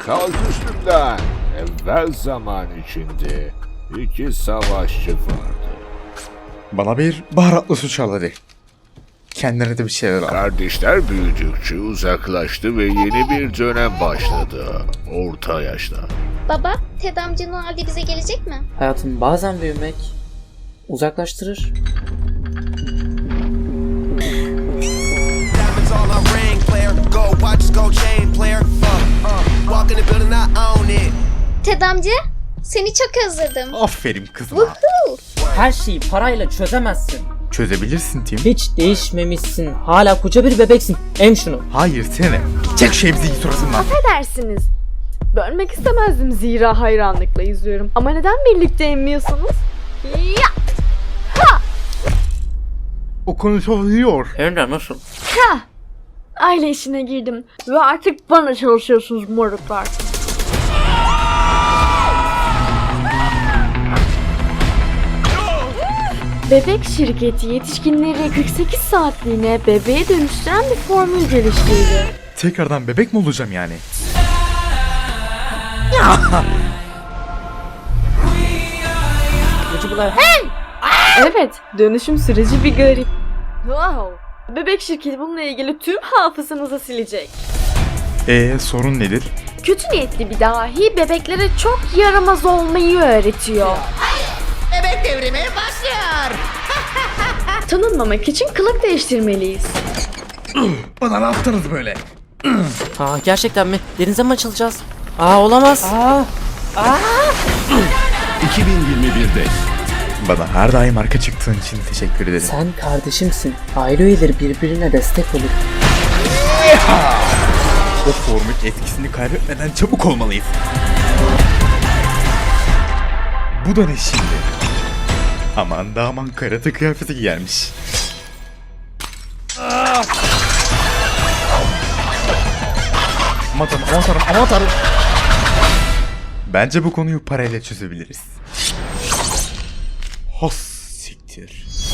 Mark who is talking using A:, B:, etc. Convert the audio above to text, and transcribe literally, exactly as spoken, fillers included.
A: kalk üstümden. Evvel zaman içinde iki savaşçı vardı.
B: Bana bir baharatlı su çal hadi. Kendine de bir şeyler al.
A: Kardeşler büyüdükçe uzaklaştı ve yeni bir dönem başladı. Orta yaşta.
C: Baba, Ted amca Noel'de bize gelecek mi?
D: Hayatım, bazen büyümek uzaklaştırır.
E: Diamonds all on ring, player. Gold watches, gold chain, player. Uh, uh. Walk in the building, I own it.
C: Ted amca, seni çok özledim.
B: Aferin kızım.
C: Woohoo!
D: Her şeyi parayla çözemezsin.
B: Çözebilirsin Tim.
D: Hiç değişmemişsin. Hala koca bir bebeksin. Em şunu.
B: Hayır seni. Çek şu emziği suratından.
F: Affedersiniz. Bölmek istemezdim zira hayranlıkla izliyorum. Ama neden birlikte emmiyorsunuz? Ya!
B: O konuşabiliyor.
D: Hem de nasıl?
F: Ha! Aile işine girdim ve artık bana çalışıyorsunuz moruklar. Bebek şirketi yetişkinleri kırk sekiz saatliğine bebeğe dönüştüren bir formül geliştirdi.
B: Tekrardan bebek mi olacağım yani?
D: Gıcıklar.
F: Evet, dönüşüm süreci bir garip. Wow! Bebek şirketi bununla ilgili tüm hafızanızı silecek.
B: Eee sorun nedir?
F: Kötü niyetli bir dahi bebeklere çok yaramaz olmayı öğretiyor.
G: Bebek devrimi başlıyor.
F: Tanınmamak için kılık değiştirmeliyiz.
B: Bana ne yaptınız böyle?
D: Aa, gerçekten mi? Denize mi açılacağız? Aa, olamaz. Aa.
H: iki bin yirmi birde
B: Bana her daim arka çıktığın için teşekkür ederim.
D: Sen kardeşimsin. Aile üyeleri birbirine destek olur.
B: O formül etkisini kaybetmeden çabuk olmalıyız. Bu da ne şimdi? Aman da aman karate kıyafeti giyermiş. Aman tanrım, aman tanrım, aman tanrım. Bence bu konuyu parayla çözebiliriz. Hos siktir.